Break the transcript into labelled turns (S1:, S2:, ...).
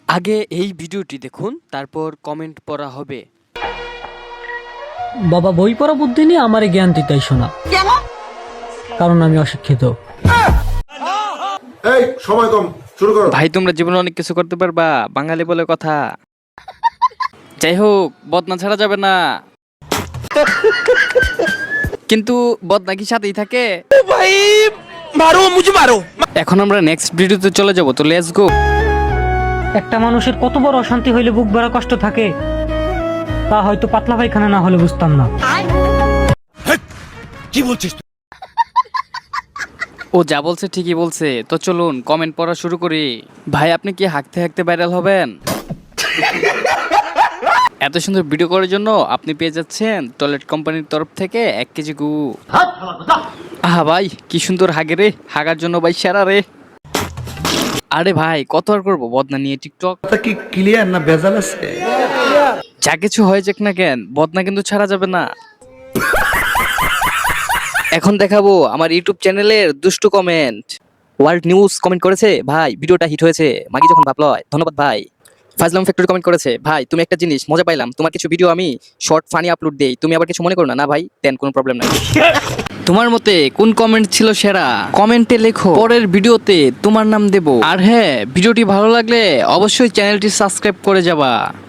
S1: আগে এই ভিডিওটি দেখুন, তারপর কমেন্ট পড়া হবে।
S2: বাবা বই পড়া বুদ্ধি নিয়ে আমারে জ্ঞান দিতেই শোনা, কারণ আমি অশিক্ষিত।
S3: এই সময় কম, শুরু করো।
S1: ভাই তোমরা জীবনে অনেক কিছু করতে পারবা, বাঙালি বলে কথা। যাই হোক, বদনা ছাড়া যাবে না। কিন্তু বদনা কি সাথেই থাকে?
S4: भाई मारो मुझे मारो।
S1: এখন আমরা নেক্সট ভিডিওতে চলে যাব, তো লেটস গো।
S2: একটা মানুষের কত বড় অশান্তি হইলে বুক ভরা কষ্ট থাকে, তা হয়তো পাতলা পায়খানা না হলে বুঝতাম না।
S4: কি বলছিস?
S1: ও যা বলছে ঠিকই বলছে। তো চলুন কমেন্ট পড়া শুরু করি। ভাই আপনি কি হাঁকতে হাঁকতে ভাইরাল হবেন? এত সুন্দর ভিডিও করার জন্য আপনি পেয়ে যাচ্ছেন টয়লেট কোম্পানির তরফ থেকে 1 কেজি গু। আহা ভাই কি সুন্দর হাগে রে, হাগার জন্য ভাই সেরা রে। আরে ভাই কত আর করবো বদনা নিয়ে টিকটক।
S5: কি ক্লিয়ার না ভেজাল আছে?
S1: যা কিছু হয়ে যাক না কেন, বদনা কিন্তু ছাড়া যাবে না। এখন দেখাবো আমার ইউটিউব চ্যানেলের দুষ্টু কমেন্ট। ওয়ার্ল্ড নিউজ কমেন্ট করেছে, ভাই ভিডিওটা হিট হয়েছে, মাগি যখন ভাবলয়। ধন্যবাদ ভাই। ফাজলাম ফ্যাক্টরি কমেন্ট করেছে, ভাই তুমি একটা জিনিস মজা পাইলাম, তোমার কিছু ভিডিও আমি শর্ট ফানি আপলোড দেই, তুমি আবার কিছু মনে করো না। না ভাই দেন, কোনো প্রবলেম নাই। তোমার মতে কোন কমেন্ট ছিল সেরা? কমেন্টে লেখো, পরের ভিডিওতে তোমার নাম দেব। আর হ্যাঁ, ভিডিওটি ভালো লাগলে অবশ্যই চ্যানেলটি সাবস্ক্রাইব করে যাবা।